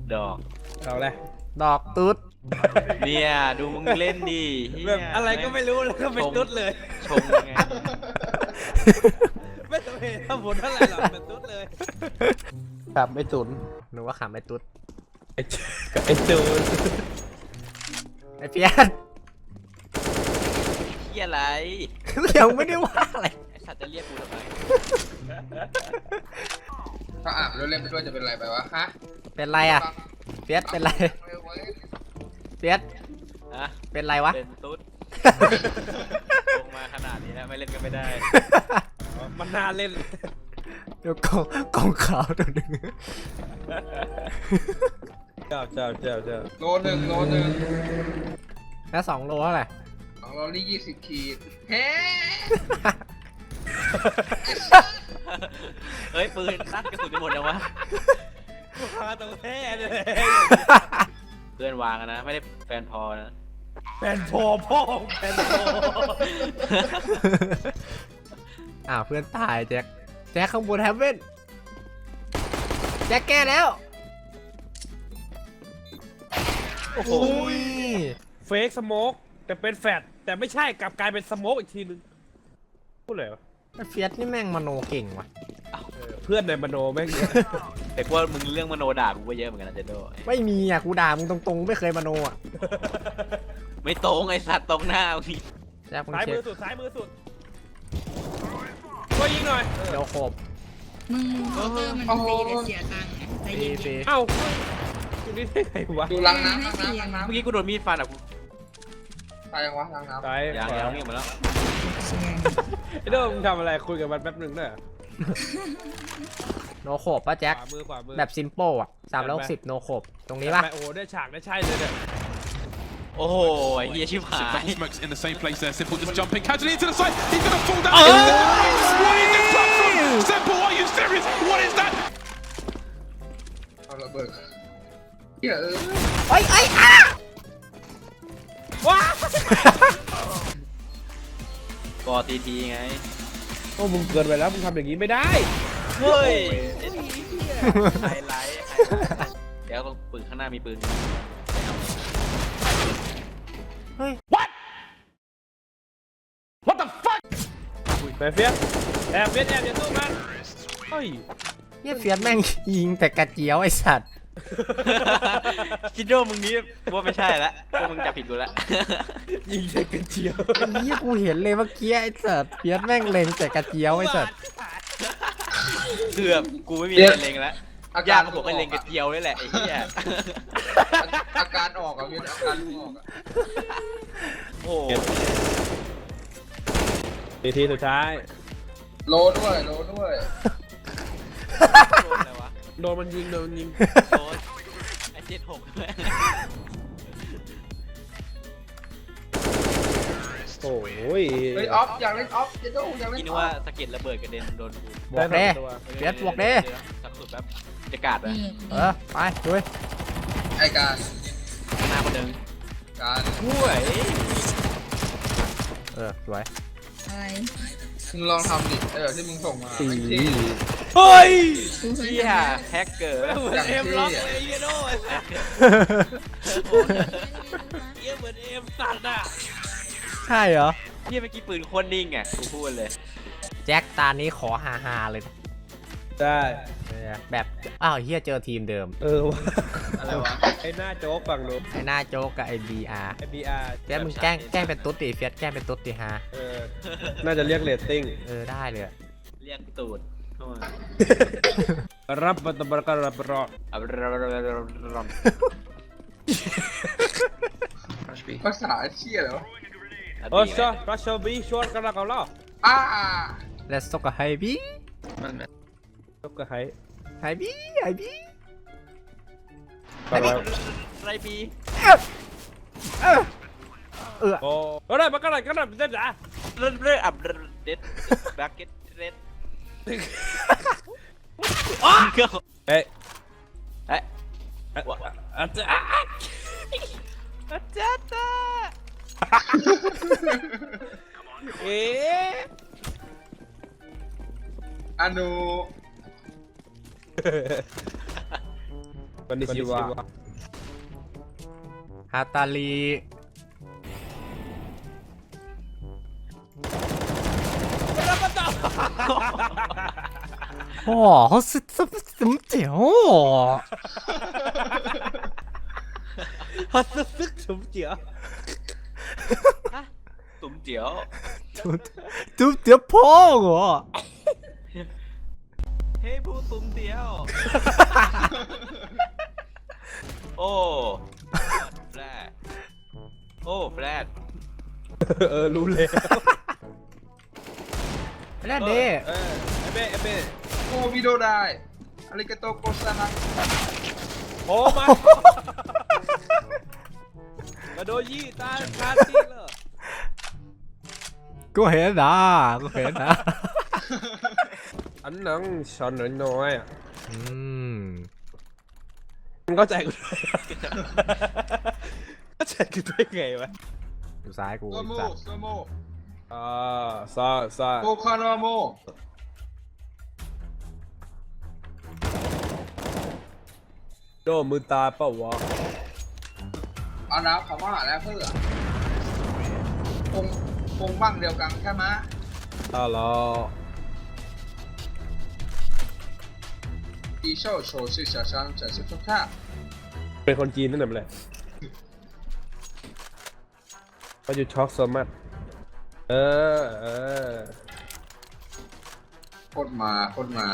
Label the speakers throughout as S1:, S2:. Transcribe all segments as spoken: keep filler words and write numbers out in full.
S1: ดอก
S2: เอาเลย
S3: ดอกตุ๊ด
S1: เนี่ยดูมึงเล่นดิ
S2: แบบอะไรก็ไม่รู้แล้วก็เป็นตุ๊ดเลย
S1: ชงไง
S2: ไม่ต้องเห็นถ้าผลเท่าไหร่หรอกเป็นตุ๊ดเลย
S3: ขับไม่ตุนหนูว่าขับไม่ตุ๊ด
S2: ไอ้ไอ้ตูน
S3: ไอ้เพี้ยน
S1: เฮียอะไร
S3: ยังไม่ได้ว่าอะไร
S1: ไอ้สัตว์จะเรียกกูทำไม
S4: ถ้าอ่านแล้วเล่นไปด้วยจะเป็นไรไปวะฮะ
S3: เป็นไรอ่ะเฟียสเป็นไรเฟียส
S1: อะ
S3: เป็นไรวะ
S1: เป็นตุ๊ดลงมาขนาดนี้แล้วไม่เล่นก็ไม่ได้
S2: มันน่าเล่น
S3: เดี๋ยวกองกองขาวตัวหนึ่ง
S2: เจ้าเจ้าเจ้าเจ้า
S4: โลหนึ่งโลหนึ่ง
S3: แล้วสองโลเท่าไหร่
S4: สองโลนี่ยี่สิบขีดเฮ้
S1: เฮ้ยปืนตั้งกระสุนไปหมดแล้ววะ
S2: พาตัวแท้เลย
S1: เพื่อนวางนะไม่ได้แฟนพอนะ
S2: แฟนพอพ่อแฟนพอ
S3: อ้าวเพื่อนตายแจ็คแจ็คข้างบนแฮมเว่นแจ็คแก้แล้วโอ้โห
S2: เฟกสโมกแต่เป็นแฟตแต่ไม่ใช่กลับกลายเป็นสโมกอีกทีนึงพูดเลยวะ
S3: เฟียสนี่แม่งมโนเก่งว่ะ
S2: เพื่อนในมโนแม่งเยอะ
S1: แต่ว่ามึงเรื่องมโนด่ากูก็เยอะเหมือนกันนะเจโด
S3: ไม่มีอ่ะกูด่ามึงตรงๆไม่เคยมโนอ่ะ
S1: ไม่ตรงไอ้สัตว์ตรงหน้าพี่
S2: ซ้ายมือสุดซ้ายมือสุดช่วยยิงหน่อย
S3: เดี๋ยวขบ
S5: มึงเคาน์เตอร์มันฟรีแต่เสียตังค์ใจเย็น
S2: ๆเอ้าดูนี่ได้ไงวะ
S4: ดูล้างน้ำล้างน้ำล้างน้ำ
S1: เมื่อกี้กูโดนมีดฟันอ่ะกู
S4: ตายยังวะล้างน้ำ
S2: ตาย
S1: ยังยังนี่หมดแล้ว
S2: ไอ้โดมทำอะไรคุยกับมันแป๊บหนึ่งด้วย
S3: โนโขบป่ะแจ็คแบบซิมโป้อะสามร้อยหกสิบโนโขบตรงนี้ป่ะ
S2: โอ้โหได้ฉากได้ใช่เลยเนี่ย
S1: โอ้โหเฮียชิบหาย
S6: in the same place there. Simple just jumping casually into the side. He's gonna fall down. What is this platform? Simple, are you serious? What is that?
S4: เอาระเบิดเฮ้ย
S3: ไอ้ไอ้อะ
S2: ว้า
S1: ก็ทีทีไง
S2: โอ้มึงเกินไปแล้วมึงทำอย่างนี้ไม่ได้
S1: เฮ้ยไฮไลท์เดี๋ยวปืนข้างหน้ามีปืน
S3: เฮ้ย
S2: what what the fuck ไปเฟียสแอบเฟียสแอบอย่าสู้มันเฮ้ย
S3: เนี่ยเฟียสแม่งยิงแต่กระเจียวไอ้สัตว์
S1: คิดว่ามึงนี้ว่าไม่ใช่ละพวกมึงจับผิดกูละ
S2: ยิงแต่กระเจียว
S3: อันนี้กูเห็นเลยเมื่อกี้ไอ้สัตว์เฟียสแม่งเล็งแต่กระเจียวไอ้สัตว์
S1: เกือบกูไม่มีอะไรเล็งแล้วยากผมก็เล็งกระเจียวนี่แหละไอ้เหี้ย
S4: อาการออกอ่ะพี่อาการลูกออกอ่ะ
S1: โอ้
S2: ทีทีสุดท้าย
S4: โลด้วยโลด้วย
S1: โดนอะไรวะ
S2: โดนมันยิงโดนมันยิง
S1: โดนไอ้เจ็ดหกด้วย
S2: โอ้ย
S4: เฮ้ยออฟอยากเล่นออฟจะดูอยากเล่น
S1: คิดว่าสะเก็ดระเบิดกระเด็นโดนกู
S3: บวกเด้เฟียสบวกเด้
S1: สับสุดแบบจะกาดไป
S3: เออไปดู
S4: ไอการ
S1: หน้าคนหนึ่ง
S4: การ
S1: ช่วย
S3: เออสวย
S5: อะไร
S4: มึงลองทำดิเออที่มึงส่งมา
S2: เฮ้ย
S1: เฮียแฮกเกอร์
S2: เหมือนเอ็มล็อกเลยเยโน่เฮียเหมือนเอ็มสัตว์อ่ะ
S3: ใช่เหรอ
S1: เฮียเมื่อกี้ปืนโคตรนิ่งอ่ะกูพูดเลย
S3: แจ็คตานี้ขอฮาฮาเลย
S2: ได้
S3: แบบอ้าวเฮียเจอทีมเดิม
S2: เออวะอะไรวะไอ้หน้าโจ๊กฝั่งนู้น
S3: ไอ้หน้าโจ๊กกับไอ้บีอาร์
S2: ไอ้บีอาร์
S3: เฟียสมึงแกล้งแกล้งเป็นตุ๊ดดิเฟียสแกล้งเป็นตุ๊ดดิฮะ
S2: เออน่าจะเรียกเรตติ้ง
S3: เออได้เลย
S1: เรียกตูดเข้ามา
S2: รับบัตรประกันรับรอ
S4: ภาษาเชี่ยเหรอ
S2: โอ้ชอรัชบีชวนกันละกันแล้ว
S4: อ่า
S3: Let's talk a high B
S2: ตกกระไฮ
S3: ไฮบีไฮบี
S1: ไรบี
S3: เออเออ
S2: โอ้ก็ได้มาก็ได้ก็ได้เด็ดจ้ะ
S1: เรื่อยเรื่อยอับเด็ดแบ็กเก็ตเด็ด
S2: อ๋อเฮ้ย
S1: เฮ้ย
S2: อาจจะ
S1: อาจารย์
S2: เอ๊ะ
S4: อนุ
S2: วันนี้ชิวะ
S3: ฮาตาลีโอ้เขาสุดสุดสุดเจ๋ว
S2: ฮัสซึกสมเจียว
S1: ตุ๋มเจียว
S3: จุดจุดเจ๋วพ่อเหรอ
S1: เฮ้ยผู้ตุ๋มเจียว โอ้แฟลชโอ้แฟลช
S2: เออรู้เลย
S3: นั่นดิ
S2: เออเอเบ้เอเบ้
S4: โอ้วิโดได้อาริกาโตโกซานะ
S2: โอ้มากระโดดยี่ตาคาตีเลย
S3: กูเห็นนะกูเห็นนะ
S2: อันนั้นช้อนน้อยๆอ่ะ
S3: อืม
S2: มึงเข้าใจกูด้วยเข้าใจกูด้วยไงวะ
S3: อยู่ซ้ายกู
S4: โซโม
S3: จัด
S4: โซโม
S2: อ่าซาซา
S4: โกคานาโม
S2: โดนมือตาเปล่าวะ
S4: เอาน้ำคำว่าแล้วเพื่อคงคงบ้างเดียวกันใช่ไหม
S2: อ้าวเหรอ
S4: ปีโชว์โชว์ชื่อ小商展示ทุกท่า
S2: เป็นคนจีนนั่นแหละเลยเขาอยู่ช็อกโซมัสเออเออ
S4: โคตรมาโคตรมา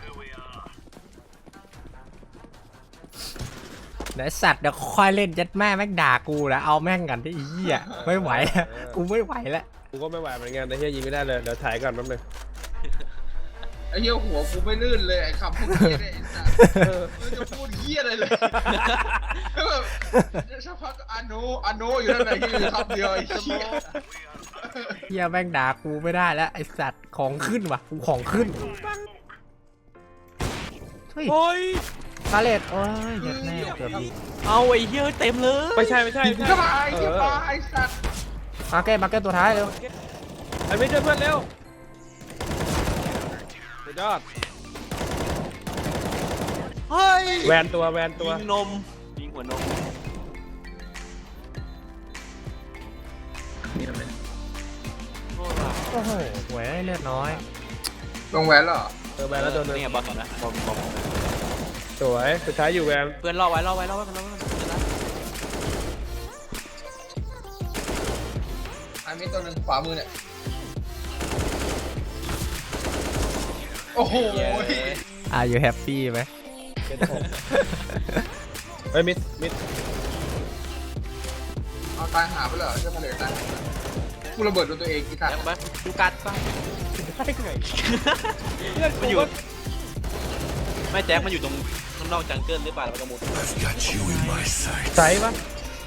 S3: ไหนสัตว์เดี๋ยวค่อยเล่นยัดแม่แม่งด่ากูนะเอาแม่งกันที่อีเหี้ยไม่ไหวแล้วกูไม่ไหวแล้ว
S2: กูก็ไม่ไหวเหมือนกันแต่เฮียยิงไม่ได้เลยเดี๋ยวถ่ายก่อนแป๊บนึง
S4: ไอ้เหี้ยหัวกูไม่ลื่นเลยไอ้คำพูดเหี้ยเนี่ยไอ้สัสเออไม่จะพูดเหี้ยอะไรเลยแบบสักพักก็อาโนอาโนอยู่นั่นแหละที่อยู่คำเดียวไอ้เหี้ย
S3: เหี้ยแม่งด่ากูไม่ได้แล้วไอสัตว์ของขึ้นว่ะกูของขึ้นเฮ้ย
S2: โอ้ย
S3: คาเลตโอ้ยยัดแม่เกือบยิง
S1: เอาไอ้เหี้ยเต็มเลย
S2: ไม่ใช่ไม่ใช่ไม่
S4: ก็
S2: ใช่
S4: มาไอ้เหี้ยมาไอ้สัส
S3: มาเก็ตมาเก็ตตัวท้ายเร็ว
S2: ไอ้ไม่เจอเพื่อนเร็วสุดยอด
S1: เฮ้ย
S2: แวนตัวแวนตัว
S1: ยิงนมยิงหัวนม โอ้ย
S3: โอ้โหหวยเลือดน้อย
S4: ลงแหวนเหรอ
S2: เออแวนแล้วตัวหนึง
S1: นี่ไงบอลก่อนนะบอลบอล
S2: สวยสุดท้ายอยู่แวน
S1: เพื่อนรอไว้รอไว้รอไว้รอไว้รอไว้
S4: ไอ้มีตัวหนึ่งขวามือเนี่ยโอ้โห
S1: เย้
S3: อ่ะอยู่แฮปปี้ไหม
S2: เจ็ดหกเฮ้ยมิดมิด
S4: เอาตายหาไปเหรอเจ้าทะเลตายกูระเบิดโดนตัวเองกี่ทัน
S1: แล้วมาดูกัดป่ะ
S2: ได้ไงเพื่อน
S1: มัน
S2: กู
S1: อยู่
S2: ก็
S1: ไม่แจ็คมันอยู่ตรงข้างนอกจังเกิลหรือเปล่าแล้วมันกระมุด
S2: ใส่ปะ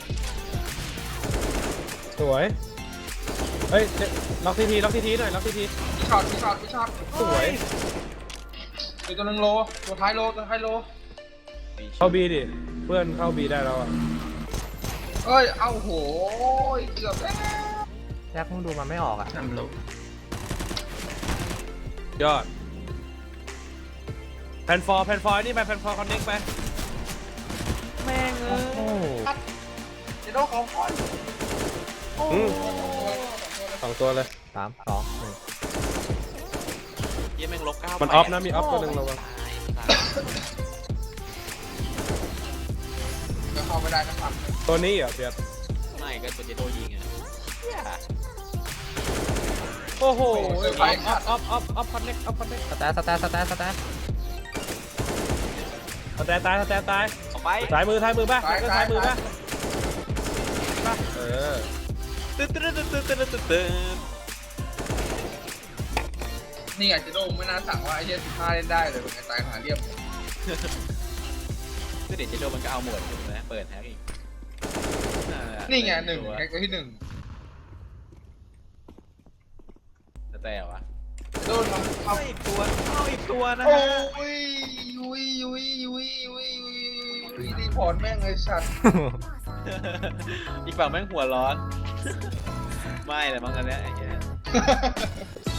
S2: สวยเฮ้ยเจ๊ล็อกทีทีล็อกทีทีหน่อยล็อกทีที
S4: พี่ช็อตพี่ช็อตพี่ช็อต
S2: สวย
S4: มีตัวหนึ่งโลตัวท้ายโลตัวท้ายโล
S2: เข้าบีดิเพื่อนเข้าบีได้แล้วอ่ะ
S4: เอ้ยเอาโหเกือบแล้ว
S3: แจ็คมึงดูมันไม่ออกอ่ะ
S2: ยอดแผ่นฟอร์แผ่นฟอร์นี่ไปแผ่นฟอร์คอนเน็กไป
S1: แม่งเอ
S3: โอ้
S1: อ
S3: โห
S4: เดี๋ยวโดนของคอย
S2: อืมสองตัวเลย
S3: สามสองหนึ่ง
S1: เยี่ยแม่งลบเก้า
S2: มันออฟนะมีออฟตัวหนึ่งระวัง
S1: ตายตาย
S4: จะเข้าไม่ได้นะครับ
S2: ตัวนี้เหรอเปียก
S1: ไม่ก็ตัวเจโดยิงอ่ะเหี้ย
S2: โอ้โหออฟออฟออฟออฟคอนเน็กออฟคอนเน็ก
S3: สแตทสแตทสแตทสแตท
S2: สแตนตายสแตนตาย
S1: เอาไป
S2: ซ้ายมือซ้ายมือป่ะก็ซ้ายมือป่ะเออ
S1: ตึ๊ดตึ๊ดตึ๊ดตึ๊ดตึ๊ดตึ๊ดตึ๊ด
S4: นี่ไงเจะโดนไม่น่าสั่งว่าไอ้เหี้ยสิบห้าเล่นได้เลยเป็นไงตายหาเรียบ
S1: ก็เดี๋ยวเจโดมันก็เอาหมดอยู่นะเปิดแฮกอีก
S4: นี่ไงหนึ่งแฮกตัวที่หนึ่ง
S1: แต่แต่วะ
S4: โดนทำเอา
S1: เอาอีกตัวเอาอีกตัวนะ
S4: โอ้
S1: ฮะ
S4: ยยุยยุยยุยยุยยุยยุยรีพอร์ตแม่งเลยสัตว์
S1: อีกฝั่งแม่งหัวร้อน ไม่เลยมั้งอันเนี้ยไอ้เหี้ย